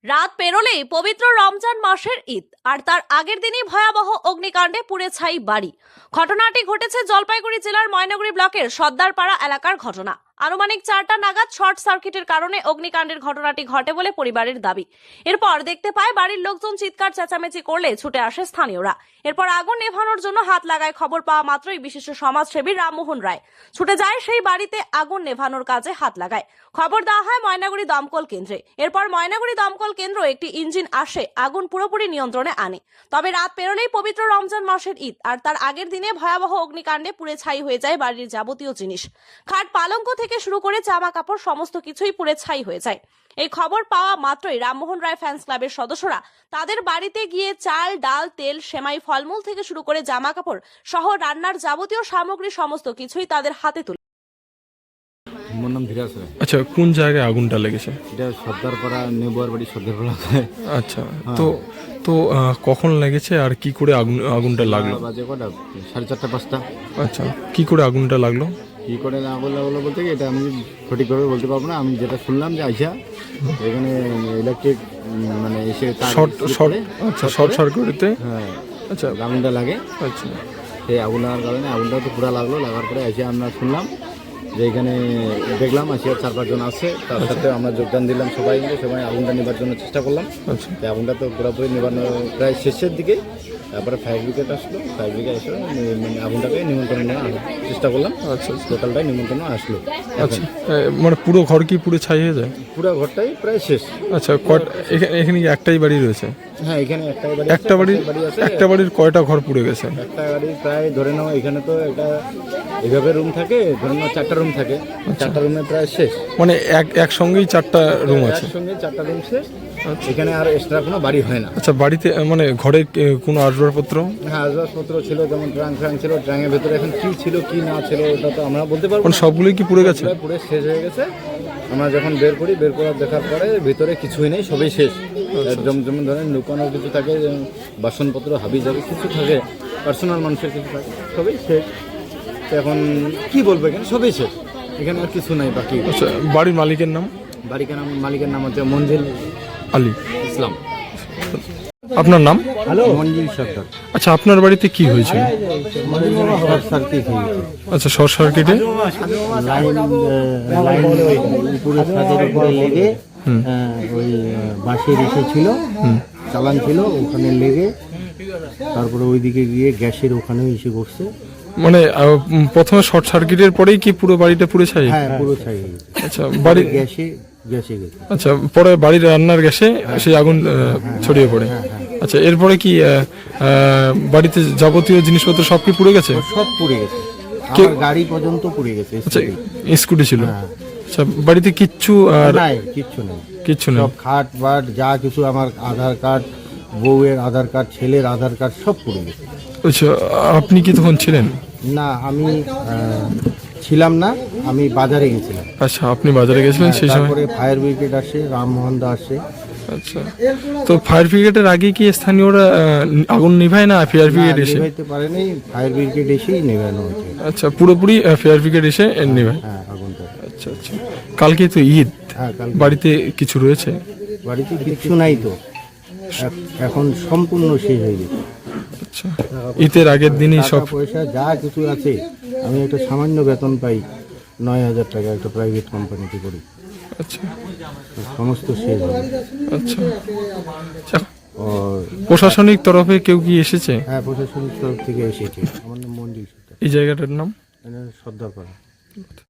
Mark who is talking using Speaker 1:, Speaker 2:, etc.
Speaker 1: রাত পেরোলেই পবিত্র রমজান মাসের ঈদ, আর তার আগের দিনই ভয়াবহ অগ্নিকাণ্ডে পুড়ে ছাই বাড়ি। ঘটনাটি ঘটেছে জলপাইগুড়ি জেলার ময়নাগুড়ি ব্লকের সর্দারপাড়া এলাকার ঘটনা। আনুমানিক 4টা নাগাদ শর্ট সার্কিটের কারণে অগ্নিকাণ্ডের ঘটনাটি ঘটে বলে পরিবারের দাবি। এরপর দেখতে পায় বাড়ির লোকজন চিৎকার চেঁচামেচি করলে ছুটে আসে স্থানীয়রা। এরপর আগুন নেভানোর জন্য হাত লাগায়। খবর পাওয়া মাত্রই বিশিষ্ট সমাজসেবী রামমোহন রায় ছুটে যায় সেই বাড়িতে, আগুন নেভানোর কাজে হাত লাগায়। খবর দেওয়া হয় ময়নাগুড়ি দমকল কেন্দ্রে। এরপর ময়নাগুড়ি দমকল কেন্দ্র একটি ইঞ্জিন আসে, আগুন পুরোপুরি নিয়ন্ত্রণে আনে। তবে রাত পেরোলেই পবিত্র রমজান মাসের ঈদ, আর তার আগের দিনে ভয়াবহ অগ্নিকাণ্ডে পুড়ে ছাই হয়ে যায় বাড়ির যাবতীয় জিনিস। খাট পালঙ্ক থেকে শুরু করে জামা কাপড় সমস্ত কিছুই পুড়ে ছাই হয়ে যায়। এই খবর পাওয়া মাত্রই রামমোহন রায় ফ্যান্স ক্লাবের সদস্যরা তাদের বাড়িতে গিয়ে চাল, ডাল, তেল, সেমাই, ফলমূল থেকে শুরু করে জামা কাপড় সহ রান্নার যাবতীয় সামগ্রী সমস্ত কিছুই তাদের হাতে তুলে।
Speaker 2: আমার নাম ধীরাজ রায়।
Speaker 3: আচ্ছা, কোন জায়গায় আগুনটা লেগেছে?
Speaker 2: এটা সর্দারপাড়া নেবুয়ার বাড়ি সর্দারপাড়া।
Speaker 3: আচ্ছা, তো তো কখন লেগেছে আর কি করে আগুনটা লাগলো?
Speaker 2: বাজে কটা 4:30 5টা।
Speaker 3: আচ্ছা, কি করে আগুনটা লাগলো?
Speaker 2: কী করে আগুন লাগলো বলতে কি এটা আমি সঠিকভাবে বলতে পারবো না। আমি যেটা শুনলাম যে আইসা এখানে ইলেকট্রিক মানে এসে
Speaker 3: শর্ট সার্কিটে
Speaker 2: হ্যাঁ
Speaker 3: আচ্ছা
Speaker 2: আগুনটা লাগে।
Speaker 3: আচ্ছা,
Speaker 2: সেই আগুন লাগার কারণে আগুনটা তো পুরো লাগলো। লাগার পরে এসে আমরা শুনলাম যে এখানে দেখলাম আসিয়া 4-5 জন আছে, তার সাথে আমরা যোগদান দিলাম সবাই মিলে। সবাই আগুনটা নেবার জন্য চেষ্টা করলাম।
Speaker 3: আচ্ছা,
Speaker 2: এই আগুনটা তো পুরোপুরি নেবানো প্রায় শেষের দিকে। তারপরে ফায়ার ব্রিগেড আসলো। ফায়ার ব্রিগেড এসে মানে আগুনটাকে নিমন্ত্রণ নেওয়ার চেষ্টা করলাম।
Speaker 3: আচ্ছা,
Speaker 2: টোটালটাই নিমন্ত্রণ আসলো।
Speaker 3: আচ্ছা, মানে পুরো ঘর কি পুরো ছাই হয়ে যায়?
Speaker 2: পুরো ঘরটাই প্রায় শেষ।
Speaker 3: আচ্ছা, এখানে কি একটাই বাড়ি রয়েছে?
Speaker 2: হ্যাঁ, এখানে
Speaker 3: একটা বাড়ির কয়টা ঘর পুড়ে গেছে?
Speaker 2: একটা বাড়ি প্রায় ধরে নাও এখানে তো এটা এভাবে রুম থাকে, ধরে নাও 4টা রুম থাকে। 4টা রুমে প্রায় শেষ,
Speaker 3: মানে একসঙ্গেই 4টা রুম আছে?
Speaker 2: একসঙ্গে 4টা রুম শেষ। এখানে আর এক্সট্রা কোনো বাড়ি হয় না।
Speaker 3: আচ্ছা, বাড়িতে মানে ঘরে কোনো আসবাবপত্র?
Speaker 2: হ্যাঁ, আসবাবপত্র ছিল, যেমন ট্রাঙ্ক ছিল। ট্রাঙ্কের ভেতরে এখন কি ছিল কি না ছিল ওটা তো আমরা বলতে পারবো
Speaker 3: মানে
Speaker 2: না।
Speaker 3: সবগুলোই কি পুড়ে গেছে?
Speaker 2: পুরো শেষ হয়ে গেছে। আমরা যখন বের করার দেখার পরে ভিতরে কিছুই নেই, সবই শেষ। একদম যেমন ধরেন লুকানোর কিছু থাকে, যেমন বাসনপত্র হাবি যাবে কিছু থাকে, পার্সোনাল মানুষের কিছু থাকে, সবই শেষ। তো এখন কি বলবো, এখানে সবই শেষ, এখানে আর কিছু নাই বাকি।
Speaker 3: আচ্ছা, বাড়ির মালিকের নাম?
Speaker 2: মালিকের নাম হচ্ছে মঞ্জিল
Speaker 3: আলী
Speaker 2: ইসলাম।
Speaker 3: আপনার নাম?
Speaker 2: হ্যালো, মঞ্জিল সর্দার।
Speaker 3: আচ্ছা, আপনার বাড়িতে কি হয়েছিল?
Speaker 2: শর্ট সার্কিট হয়ে গেছে।
Speaker 3: আচ্ছা, শর্ট সার্কিটে
Speaker 4: লাইন উপরে ছাদের উপরে লেগে ওই বাঁশের এসেছিল, চালান ছিল, ওখানে লেগে তারপরে ওইদিকে গিয়ে গ্যাসের ওখানেও এসে বসছে।
Speaker 3: মানে প্রথমে শর্ট সার্কিটের পরেই কি পুরো বাড়িটা পুড়ে ছাই?
Speaker 4: হ্যাঁ, পুরো ছাই হয়ে গেছে।
Speaker 3: আচ্ছা, বাড়ির
Speaker 4: গ্যাসে গেছে।
Speaker 3: আচ্ছা, পরে বাড়ির রান্নার গ্যাসে সেই আগুন ছড়িয়ে পড়ে। আচ্ছা, এরপরে কি বাড়িতে যাবতীয় জিনিসপত্র সব কি পুড়ে গেছে?
Speaker 4: সব পুড়ে গেছে, আমার গাড়ি পর্যন্ত পুড়ে গেছে।
Speaker 3: আচ্ছা, স্কুটি ছিল?
Speaker 4: হ্যাঁ।
Speaker 3: আচ্ছা, বাড়িতে কিচ্ছু আর
Speaker 4: নাই, কিচ্ছু নেই।
Speaker 3: নেই?
Speaker 4: সব খাট বাট যা কিছু, আমার আধার কার্ড, বউয়ের আধার কার্ড, ছেলের আধার কার্ড সব পুড়ে গেছে।
Speaker 3: আচ্ছা, আপনি কি তখন ছিলেন?
Speaker 4: না, আমি ছিলাম না, আমি বাজারে গেছিলাম।
Speaker 3: আচ্ছা, আপনি বাজারে গেছিলেন সেই সময়?
Speaker 4: তারপরে ফায়ার ব্রিগেড আসে, রামমোহন দা আসে।
Speaker 3: আচ্ছা, তো ফায়ার ব্রিগেডের আগে কি স্থানীয়রা আগুন নিভায় না ফায়ার ব্রিগেড এসে?
Speaker 4: নিভাইতে পারেনি, ফায়ার ব্রিগেড এসেই নেভানো হয়েছে।
Speaker 3: আচ্ছা, পুরোপুরি ফায়ার ব্রিগেড এসে নিভায়?
Speaker 4: হ্যাঁ, আগুনটা।
Speaker 3: আচ্ছা আচ্ছা, কালকে তো ঈদ,
Speaker 4: হ্যাঁ, কাল
Speaker 3: বাড়িতে কিছু রয়েছে?
Speaker 4: বাড়িতে কিচ্ছু নাই তো, এখন সম্পূর্ণ শেষ হয়ে গেছে।
Speaker 3: আচ্ছা, ঈদের আগের দিনই সব
Speaker 4: টাকা পয়সা যা কিছু আছে, আমি একটা সামান্য বেতন পাই 9,000 টাকা, একটা প্রাইভেট কোম্পানিতে করি।
Speaker 3: আচ্ছা
Speaker 4: সমস্ত শেষ হয়ে গেছে।
Speaker 3: আচ্ছা,
Speaker 4: আর
Speaker 3: প্রশাসনিক তরফে কেউ কি এসেছে?
Speaker 4: হ্যাঁ, প্রশাসনিক তরফ থেকে এসেছে। আমার নাম মঞ্জিল সর্দার।
Speaker 3: এই জায়গাটার নাম?
Speaker 4: সর্দারপাড়া।